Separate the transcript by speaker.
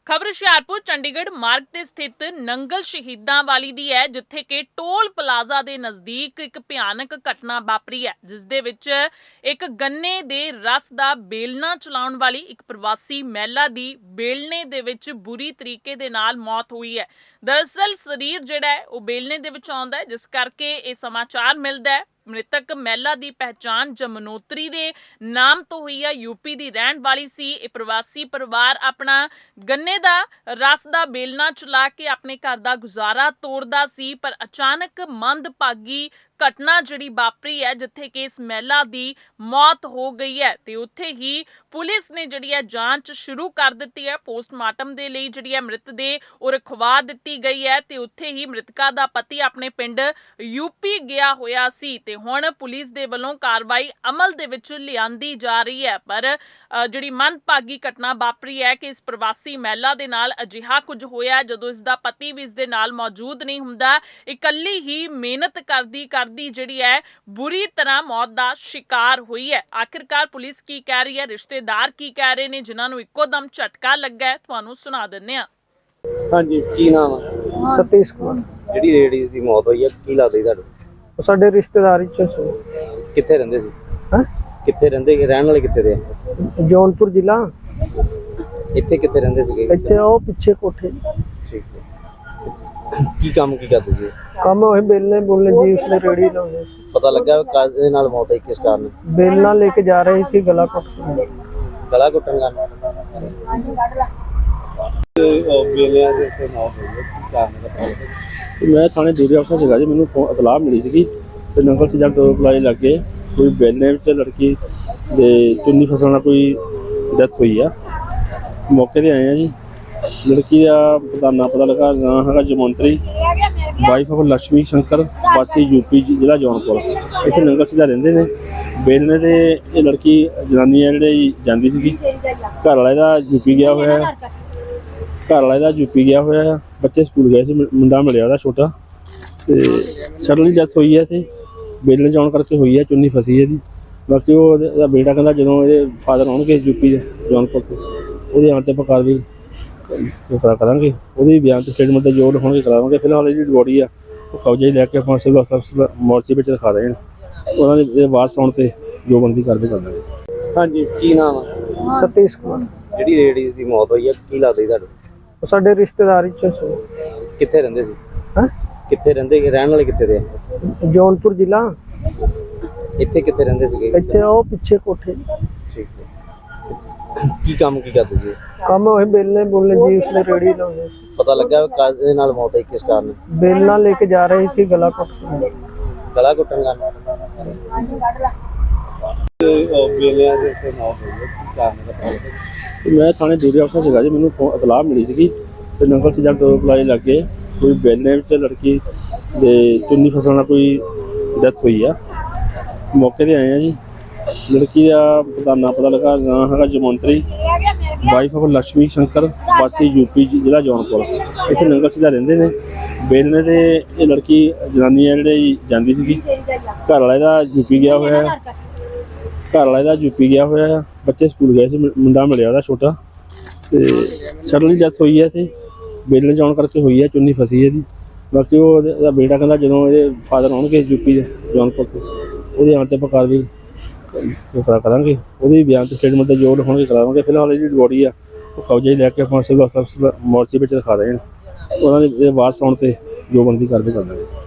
Speaker 1: ਖਬਰ ਹੁਸ਼ਿਆਰਪੁਰ ਚੰਡੀਗੜ੍ਹ ਮਾਰਗ ਤੇ ਸਥਿਤ ਨੰਗਲ ਸ਼ਹੀਦਾਂ ਵਾਲੀ ਦੀ ਹੈ, ਜਿੱਥੇ ਕਿ ਟੋਲ ਪਲਾਜ਼ਾ ਦੇ ਨਜ਼ਦੀਕ ਇੱਕ ਭਿਆਨਕ ਘਟਨਾ ਵਾਪਰੀ ਹੈ, ਜਿਸ ਦੇ ਵਿੱਚ ਇੱਕ ਗੰਨੇ ਦੇ ਰਸ ਦਾ ਬੇਲਣਾ ਚਲਾਉਣ ਵਾਲੀ ਇੱਕ ਪ੍ਰਵਾਸੀ ਮਹਿਲਾ ਦੀ ਬੇਲਣੇ ਦੇ ਵਿੱਚ ਬੁਰੀ ਤਰੀਕੇ ਦੇ ਨਾਲ ਮੌਤ ਹੋਈ ਹੈ। ਦਰਅਸਲ ਸਰੀਰ ਜਿਹੜਾ ਹੈ ਉਹ ਬੇਲਣੇ ਦੇ ਵਿੱਚ ਆਉਂਦਾ ਹੈ, ਜਿਸ ਕਰਕੇ ਇਹ ਸਮਾਚਾਰ ਮਿਲਦਾ ਹੈ। ਮ੍ਰਿਤਕ ਮਹਿਲਾ ਦੀ ਪਹਿਚਾਣ ਜਮਨੋਤਰੀ ਦੇ ਨਾਮ ਤੋਂ ਹੋਈ ਹੈ। यूपी ਦੀ ਰਹਿਣ ਵਾਲੀ ਸੀ। ਇਹ ਪ੍ਰਵਾਸੀ ਪਰਿਵਾਰ ਆਪਣਾ ਗੰਨੇ ਦਾ ਰਸ ਦਾ ਬੇਲਣਾ ਚਲਾ ਕੇ ਆਪਣੇ ਘਰ ਦਾ ਗੁਜ਼ਾਰਾ ਤੋਰਦਾ ਸੀ, ਪਰ ਅਚਾਨਕ ਮੰਦਭਾਗੀ ਘਟਨਾ ਜਿਹੜੀ ਵਾਪਰੀ ਹੈ, ਜਿੱਥੇ ਕਿ ਇਸ ਮਹਿਲਾ ਦੀ ਮੌਤ ਹੋ ਗਈ ਹੈ ਤੇ ਉੱਥੇ ਹੀ ਪੁਲਿਸ ਨੇ ਜਿਹੜੀ ਹੈ ਜਾਂਚ ਸ਼ੁਰੂ ਕਰ ਦਿੱਤੀ ਹੈ। ਪੋਸਟਮਾਰਟਮ ਦੇ ਲਈ ਜਿਹੜੀ ਹੈ ਮ੍ਰਿਤ ਦੇ ਉਹ ਰਖਵਾ ਦਿੱਤੀ ਗਈ ਹੈ ਤੇ ਉੱਥੇ ਹੀ ਮ੍ਰਿਤਕਾ ਦਾ ਪਤੀ ਆਪਣੇ ਪਿੰਡ यूपी ਗਿਆ ਹੋਇਆ ਸੀ ਤੇ ਹੁਣ ਪੁਲਿਸ ਦੇ ਵੱਲੋਂ ਕਾਰਵਾਈ ਅਮਲ ਦੇ ਵਿੱਚ ਲਿਆਂਦੀ ਜਾ ਰਹੀ ਹੈ। ਪਰ ਜਿਹੜੀ ਮੰਦਭਾਗੀ ਘਟਨਾ ਵਾਪਰੀ ਹੈ ਕਿ ਇਸ ਪ੍ਰਵਾਸੀ ਮਹਿਲਾ ਦੇ ਨਾਲ ਅਜਿਹਾ ਕੁਝ ਹੋਇਆ ਜਦੋਂ ਇਸ ਦਾ ਪਤੀ ਵੀ ਇਸ ਦੇ ਨਾਲ ਮੌਜੂਦ ਨਹੀਂ ਹੁੰਦਾ। ਇਕੱਲੀ ਹੀ ਮਿਹਨਤ ਕਰਦੀ ਜਿਹੜੀ ਹੈ ਬੁਰੀ ਤਰ੍ਹਾਂ ਮੌਤ ਦਾ ਸ਼ਿਕਾਰ ਹੋਈ ਹੈ। ਆਖਿਰਕਾਰ ਪੁਲਿਸ ਕੀ ਕਹਿ ਰਹੀ ਹੈ, ਰਿਸ਼ਤੇਦਾਰ ਕੀ ਕਹਿ ਰਹੇ ਨੇ, ਜਿਨ੍ਹਾਂ ਨੂੰ ਇੱਕੋ ਦਮ ਝਟਕਾ ਲੱਗਾ ਹੈ, ਤੁਹਾਨੂੰ ਸੁਣਾ ਦਿੰਦੇ ਹਾਂ।
Speaker 2: ਹਾਂਜੀ, ਕੀ ਨਾਮ ਹੈ?
Speaker 3: सतीश कुमार।
Speaker 2: ਜਿਹੜੀ ਲੇਡੀਜ਼ ਦੀ ਮੌਤ ਹੋਈ ਹੈ, ਕੀ ਲੱਗਦਾ ਜੀ ਤੁਹਾਨੂੰ?
Speaker 3: ਸਾਡੇ ਰਿਸ਼ਤੇਦਾਰੀ ਚ ਸੀ।
Speaker 2: ਕਿੱਥੇ ਰਹਿੰਦੇ ਸੀ?
Speaker 3: ਹੈਂ?
Speaker 2: ਕਿੱਥੇ ਰਹਿੰਦੇ, ਰਹਿਣ ਵਾਲੇ ਕਿੱਥੇ ਦੇ ਆ?
Speaker 3: ਜੌਨਪੁਰ ਜ਼ਿਲ੍ਹਾ।
Speaker 2: ਇੱਥੇ ਕਿੱਥੇ ਰਹਿੰਦੇ ਸੀਗੇ?
Speaker 3: ਇੱਥੇ ਉਹ ਪਿੱਛੇ ਕੋਠੇ
Speaker 2: ਠੀਕ ਹੈ। ਕੀ ਕੰਮ ਕੀ ਕਰਦੇ ਸੀ?
Speaker 3: ਕੰਮ ਹੋਏ ਬੇਲਣੇ ਬੋਲਣੇ ਜੀ, ਉਸਨੇ ਰੇੜੀ ਲਾਉਂਦੇ ਸੀ।
Speaker 2: ਪਤਾ ਲੱਗਾ ਕਾਹਦੇ ਨਾਲ ਮੌਤ ਹੋਈ, ਕਿਸ ਕਾਰਨ?
Speaker 3: बेलना लेके जा रही थी, गला कट
Speaker 2: ਗਲਾ ਘੁੱਟਣ ਕਾਰਨ ਬੇਲਿਆਂ ਦੇ ਉੱਤੇ ਮੌਤ ਹੋਈ ਹੈ, ਕੀ ਕਾਰਨ ਦਾ?
Speaker 4: ਮੈਂ ਥਾਣੇ ਡਿਊਟੀ ਅਫਸਰ ਸੀਗਾ ਜੀ। ਮੈਨੂੰ ਇਤਲਾਹ ਮਿਲੀ ਸੀਗੀ ਕਿ ਨੰਗਲ ਸਿੱਧਾ ਟੋਲ ਪਲਾਜ਼ਾ ਲੱਗੇ ਕੋਈ ਬੇਲਣੇ ਵਿੱਚ ਲੜਕੀ ਦੇ ਚੁੰਨੀ ਫਸਣ ਨਾਲ ਕੋਈ ਡੈਥ ਹੋਈ ਆ। ਮੌਕੇ ਤੇ ਆਏ ਆ ਜੀ। ਲੜਕੀ ਦਾ ਨਾਂ ਪਤਾ ਲੱਗਾ, ਨਾਂ ਹੈਗਾ ਜਮਨੋਤਰੀ, ਵਾਈਫ ਆਫ ਲక్ష్ਮੀ ਸ਼ੰਕਰ, ਵਾਸੀ यूपी ਜ਼ਿਲ੍ਹਾ ਜੌਨਪੁਰ। ਇੱਥੇ ਨੰਗਲ ਸਿੱਧਾ ਰਹਿੰਦੇ ਨੇ। ਬੇਲਣੇ ਤੇ ਇਹ ਲੜਕੀ ਜਨਾਨੀ ਹੈ ਜਿਹੜੀ ਜਾਂਦੀ ਸੀਗੀ। ਘਰ ਵਾਲੇ ਦਾ यूपी ਗਿਆ ਹੋਇਆ ਹੈ। ਬੱਚੇ ਸਕੂਲ ਗਏ ਸੀ, ਮੁੰਡਾ ਮਿਲਿਆ ਉਹਦਾ ਛੋਟਾ ਤੇ ਸਡਨਲੀ ਡੈਥ ਹੋਈ ਹੈ। ਇੱਥੇ ਬੇਲਣੇ ਜਾਣ ਕਰਕੇ ਹੋਈ ਹੈ, ਚੁੰਨੀ ਫਸੀ ਇਹਦੀ। ਬਾਕੀ ਉਹਦਾ ਬੇਟਾ ਕਹਿੰਦਾ ਜਦੋਂ ਇਹਦੇ ਫਾਦਰ ਆਉਣਗੇ यूपी ਦੇ ਜੌਨਪੁਰ ਤੋਂ, ਉਹਦੇ ਆਉਣ 'ਤੇ ਆਪਾਂ ਕਾਰਵਾਈ ਕਰਾਂਗੇ। ਉਹਦੇ ਬਿਆਨ ਤੇ ਸਟੇਟਮੈਂਟ ਤੇ ਜੋ ਲਿਖਾਉਣਗੇ ਕਰਾਵਾਂਗੇ। ਫਿਲਹਾਲ ਇਹਦੀ ਬੋਡੀ ਆ ਉਹ ਕਬਜ਼ੇ ਲੈ ਕੇ ਆਪਾਂ ਸਿਵਲ ਹਸਪਤਾਲ ਮੋਰਚੇ ਵਿੱਚ ਰਖਾ ਰਹੇ ਹਾਂ। ਉਹਨਾਂ ਦੇ ਵਾਰਸ ਆਉਣ ਤੇ ਜੋ ਬਣਦੀ ਕਾਰਵਾਈ ਕਰ ਦਾਂਗੇ।
Speaker 2: ਹਾਂਜੀ, ਕੀ ਨਾਮ ਹੈ?
Speaker 3: सतीश कुमार।
Speaker 2: ਜਿਹੜੀ ਲੇਡੀਜ਼ ਦੀ ਮੌਤ ਹੋਈ ਹੈ, ਕੀ ਲੱਗਦਾ ਜੀ ਤੁਹਾਨੂੰ?
Speaker 3: ਸਾਡੇ ਰਿਸ਼ਤੇਦਾਰੀ ਚ ਸੀ।
Speaker 2: ਕਿੱਥੇ ਰਹਿੰਦੇ ਸੀ?
Speaker 3: ਹੈਂ?
Speaker 2: ਕਿੱਥੇ ਰਹਿੰਦੇ, ਰਹਿਣ ਵਾਲੇ ਕਿੱਥੇ ਦੇ ਆ?
Speaker 3: ਜੌਨਪੁਰ ਜ਼ਿਲ੍ਹਾ।
Speaker 2: ਇੱਥੇ ਕਿੱਥੇ ਰਹਿੰਦੇ ਸੀਗੇ?
Speaker 3: ਇੱਥੇ ਉਹ ਪਿੱਛੇ ਕੋਠੇ।
Speaker 2: ਠੀਕ ਹੈ। ਕੀ ਕੰਮ ਕੀ ਕਰਦੇ ਸੀ?
Speaker 3: ਕੰਮ ਹੋਏ बेलने बोलने जी, उसने रेड़ी लाਉਂਦੇ ਸੀ।
Speaker 2: ਪਤਾ ਲੱਗਾ ਕਾਹਦੇ ਨਾਲ ਮੌਤ ਹੋਈ, ਕਿਸ ਕਾਰਨ?
Speaker 3: बेलना लेके जा रही थी, गला कट
Speaker 2: ਗਲਾ ਘੁੱਟਣ ਕਾਰਨ ਬੇਲਿਆਂ ਦੇ ਉੱਤੇ ਮੌਤ ਹੋਈ ਹੈ, ਕੀ ਕਾਰਨ ਦਾ?
Speaker 4: ਮੈਂ ਥਾਣੇ ਡਿਊਟੀ ਅਫਸਰ ਸੀਗਾ ਜੀ। ਮੈਨੂੰ ਇਤਲਾਹ ਮਿਲੀ ਸੀਗੀ ਕਿ ਨੰਗਲ ਸਿੱਧਾ ਟੋਲ ਪਲਾਜ਼ਾ ਲੱਗੇ ਕੋਈ ਬੇਲਣੇ ਵਿੱਚ ਲੜਕੀ ਦੇ ਚੁੰਨੀ ਫਸਣ ਨਾਲ ਕੋਈ ਡੈਥ ਹੋਈ ਆ। ਮੌਕੇ ਤੇ ਆਏ ਆ ਜੀ। ਲੜਕੀ ਦਾ ਨਾਂ ਪਤਾ ਲੱਗਾ, ਨਾਂ ਹੈਗਾ ਜਮਨੋਤਰੀ, ਵਾਈਫ ਆਫ ਲక్ష్ਮੀ ਸ਼ੰਕਰ, ਵਾਸੀ यूपी ਜ਼ਿਲ੍ਹਾ ਜੌਨਪੁਰ। ਇੱਥੇ ਨੰਗਲ ਸਿੱਧਾ ਰਹਿੰਦੇ ਨੇ। ਬੇਲਣੇ ਤੇ ਇਹ ਲੜਕੀ ਜਨਾਨੀ ਹੈ ਜਿਹੜੀ ਜਾਂਦੀ ਸੀਗੀ। ਘਰ ਵਾਲੇ ਦਾ यूपी ਗਿਆ ਹੋਇਆ ਹੈ। ਬੱਚੇ ਸਕੂਲ ਗਏ ਸੀ, ਮੁੰਡਾ ਮਿਲਿਆ ਉਹਦਾ ਛੋਟਾ ਤੇ ਸਡਨਲੀ ਡੈਥ ਹੋਈ ਹੈ। ਇੱਥੇ ਬੇਲਣੇ ਜਾਣ ਕਰਕੇ ਹੋਈ ਹੈ, ਚੁੰਨੀ ਫਸੀ ਇਹਦੀ। ਬਾਕੀ ਉਹਦਾ ਬੇਟਾ ਕਹਿੰਦਾ ਜਦੋਂ ਇਹਦੇ ਫਾਦਰ ਆਉਣਗੇ यूपी ਦੇ ਜੌਨਪੁਰ ਤੋਂ, ਉਹਦੇ ਆਉਣ 'ਤੇ ਆਪਾਂ ਕਾਰਵਾਈ ਕਰਾਂਗੇ। ਉਹਦੇ ਬਿਆਨ ਤੇ ਸਟੇਟਮੈਂਟ ਤੇ ਜੋ ਲਿਖਾਉਣਗੇ ਕਰਾਵਾਂਗੇ। ਫਿਲਹਾਲ ਇਹਦੀ ਬੋਡੀ ਆ ਉਹ ਕਬਜ਼ੇ ਲੈ ਕੇ ਆਪਾਂ ਸਿਵਲ ਹਸਪਤਾਲ ਮੋਰਚੇ ਵਿੱਚ ਰਖਾ ਰਹੇ ਹਾਂ। ਉਹਨਾਂ ਦੇ ਵਾਰਸ ਆਉਣ ਤੇ ਜੋ ਬਣਦੀ ਕਾਰਵਾਈ ਕਰ ਦਾਂਗੇ।